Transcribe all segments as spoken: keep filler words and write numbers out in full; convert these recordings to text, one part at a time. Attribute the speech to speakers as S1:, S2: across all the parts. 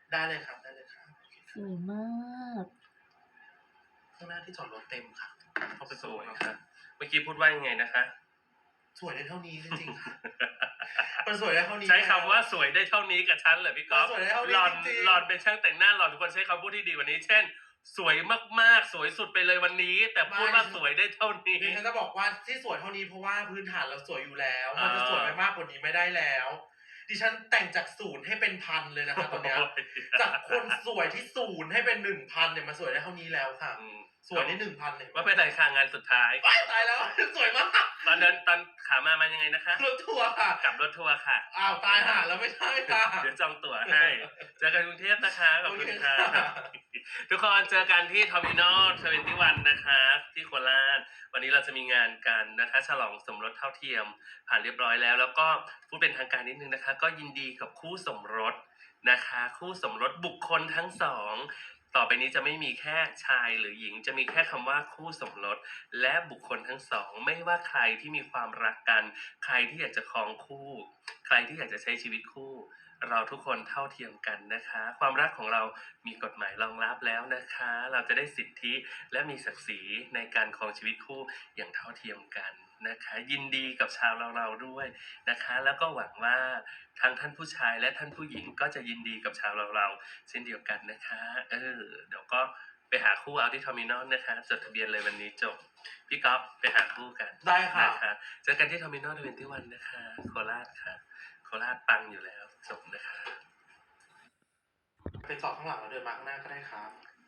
S1: ได้เลยครับได้เลยครับ
S2: สวยมาก
S1: ข้างหน้าที่จอดรถเต็มค่ะเข้าไป
S3: ส
S1: ส่ง
S3: วย
S1: ครับ
S3: ค่ะเมื่อกี้พูดว่ายังไงนะคะ
S1: สวยได้เท่านี้จริงๆค่ะมันสวยได้เท่านี้
S3: ใช้คำว่าสวยได้เท่านี้กับฉันเหรอพี่ก๊อฟ
S1: มันสวยได้เท่านี้
S3: หล่อน
S1: จริงๆ
S3: หล่อนเป็นช่างแต่งหน้าหล่อนควรใช้คำพูดที่ดีกว่านี้ เช่น สวยมากๆสวยสุดไปเลยวันนี้ แต่พูดว่าสวยได้เท่านี้
S1: ดิฉันจะบอกว่าที่สวยเท่านี้เพราะว่าพื้นฐานเราสวยอยู่แล้ว
S3: อ่ามั
S1: มันจะสวยไปมากกว่านี้ไม่ได้แล้ว ดิฉันแต่งจากศูนย์ให้เป็นพันเลยนะคะตอนเนี้ย จากคนสวยที่ศูนย์ให้เป็นหนึ่งพันเนี่ยมันสวยได้เท่านี้แล้วค่ะ
S3: อืม
S1: สวยได้หนึ่งพันเลย
S3: ว่าเป็นไรค่ะงานสุดท้าย
S1: ว้ายตายแล้ว สวยมาก
S3: ตอนเดินตอนขามามันยังไงนะคะ
S1: รถทัวร์ค่ะ
S3: กลับรถทัวร์ค่ะ
S1: อ้าวตายห่าแล้วไม่ใช่ค่ะ
S3: เดี๋ยวจองตั๋วให้ เจอกันกรุงเทพนะคะขอบคุณค่ะ
S1: โอเคค่ะ
S3: ทุกคนเจอกันที่ทอมินอลทเวนตี้วันนะคะ ที่โคราชวันนี้เราจะมีงานกันนะคะ ฉลองสมรสเท่าเทียมผ่านเรียบร้อยแล้ว แล้วก็พูดเป็นทางการนิดนึงนะคะ ก็ยินดีกับคู่สมรสนะคะ คู่สมรสบุคคลทั้งสองต่อไปนี้จะไม่มีแค่ชายหรือหญิง จะมีแค่คำว่าคู่สมรสและบุคคลทั้งสองไม่ว่าใครที่มีความรักกัน ใครที่อยากจะครองคู่ ใครที่อยากจะใช้ชีวิตคู่ เราทุกคนเท่าเทียมกันนะคะ ความรักของเรามีกฎหมายรองรับแล้วนะคะ เราจะได้สิทธิและมีศักดิ์ศรีในการครองชีวิตคู่อย่างเท่าเทียมกันนะคะ ยินดีกับชาวเราเราด้วยนะคะ แล้วก็หวังว่าทั้งท่านผู้ชายและท่านผู้หญิงก็จะยินดีกับชาวเราเราเช่นเดียวกันนะคะ เออเดี๋ยวก็ไปหาคู่เอาที่เทอร์มินอลนะคะจดทะเบียนเลยวันนี้จบพี่ก๊อฟไปหาคู่กัน
S1: ได้ค่ะ
S3: นะคะเจอกันที่เทอร์มินอลทเวนตี้วันนะคะโคราชค่ะโคราชปังอยู่แล้วจบนะคะ
S1: ไปจอดข้างหลังแล้วเดินมาข้างหน้าก็ได้ครับ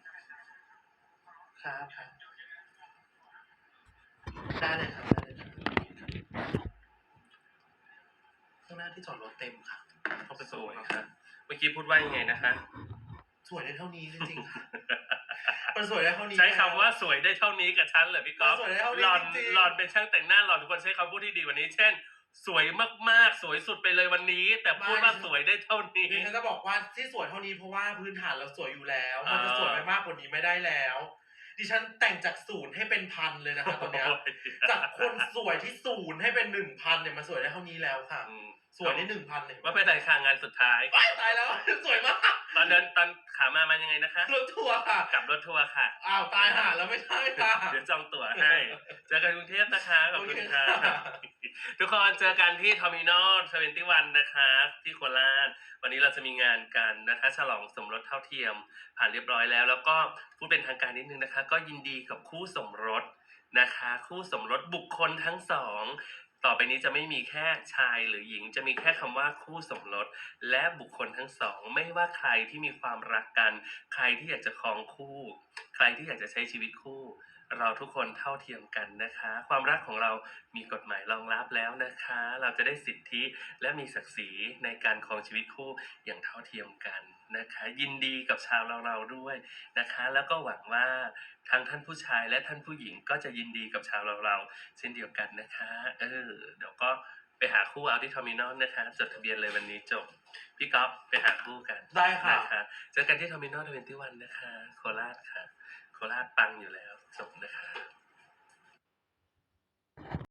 S1: ครับครับได้เลยครับได้เลยครับข้างหน้าที่จอดรถเต็มค่ะเข้าไป
S3: ส
S1: ส่ง
S3: วย
S1: ครับ
S3: ค่ะเมื่อกี้พูดว่ายังไงนะคะ
S1: สวยได้เท่านี้จริงๆค่ะ มันสวยได้เท่านี้
S3: ใช้คำว่าสวยได้เท่านี้กับฉันเหรอพี่ก๊อฟ
S1: มันสวยได้เท่านี้
S3: หล่อน
S1: จริงๆ
S3: หล่อนเป็นช่างแต่งหน้าหล่อนควรใช้คำพูดที่ดีกว่านี้ เช่น สวยมากๆสวยสุดไปเลยวันนี้ แต่พูดว่าสวยได้เท่านี้
S1: ดิฉันจะบอกว่าที่สวยเท่านี้เพราะว่าพื้นฐานเราสวยอยู่แล้ว
S3: อ่ามั
S1: มันจะสวยไปมากกว่านี้ไม่ได้แล้ว ดิฉันแต่งจากศูนย์ให้เป็นพันเลยนะคะตอนเนี้ย จากคนสวยที่ศูนย์ให้เป็นหนึ่งพันเนี่ยมันสวยได้เท่านี้แล้วค่ะ
S3: อืม
S1: สวยได้หนึ่งพันเลย
S3: ว่าเป็นไรค่ะงานสุดท้าย
S1: ว้ายตายแล้ว สวยมาก
S3: ตอนเดินตอนขามามันยังไงนะคะ
S1: รถทัวร์ค่ะ
S3: กลับรถทัวร์ค่ะ
S1: อ้าวตายห่าแล้วไม่ใช่ค่ะ
S3: เดี๋ยวจองตั๋วให้ เจอกันกรุงเทพนะคะขอบคุณค่ะ
S1: โอเคค่ะ
S3: ทุกคนเจอกันที่ทอมินอลทเวนตี้วันนะคะ ที่โคราชวันนี้เราจะมีงานกันนะคะ ฉลองสมรสเท่าเทียมผ่านเรียบร้อยแล้ว แล้วก็พูดเป็นทางการนิดนึงนะคะ ก็ยินดีกับคู่สมรสนะคะ คู่สมรสบุคคลทั้งสองต่อไปนี้จะไม่มีแค่ชายหรือหญิง จะมีแค่คำว่าคู่สมรสและบุคคลทั้งสองไม่ว่าใครที่มีความรักกัน ใครที่อยากจะครองคู่ ใครที่อยากจะใช้ชีวิตคู่ เราทุกคนเท่าเทียมกันนะคะ ความรักของเรามีกฎหมายรองรับแล้วนะคะ เราจะได้สิทธิและมีศักดิ์ศรีในการครองชีวิตคู่อย่างเท่าเทียมกันนะคะ ยินดีกับชาวเราเราด้วยนะคะ แล้วก็หวังว่าทั้งท่านผู้ชายและท่านผู้หญิงก็จะยินดีกับชาวเราเราเช่นเดียวกันนะคะ เออเดี๋ยวก็ไปหาคู่เอาที่เทอร์มินอลนะคะจดทะเบียนเลยวันนี้จบพี่ก๊อฟไปหาคู่กัน
S1: ได้ค่ะ
S3: นะคะเจอกันที่ทอมินอลทเวนตี้วันนะคะโคราชค่ะโคราชปังอยู่แล้วจบนะคะ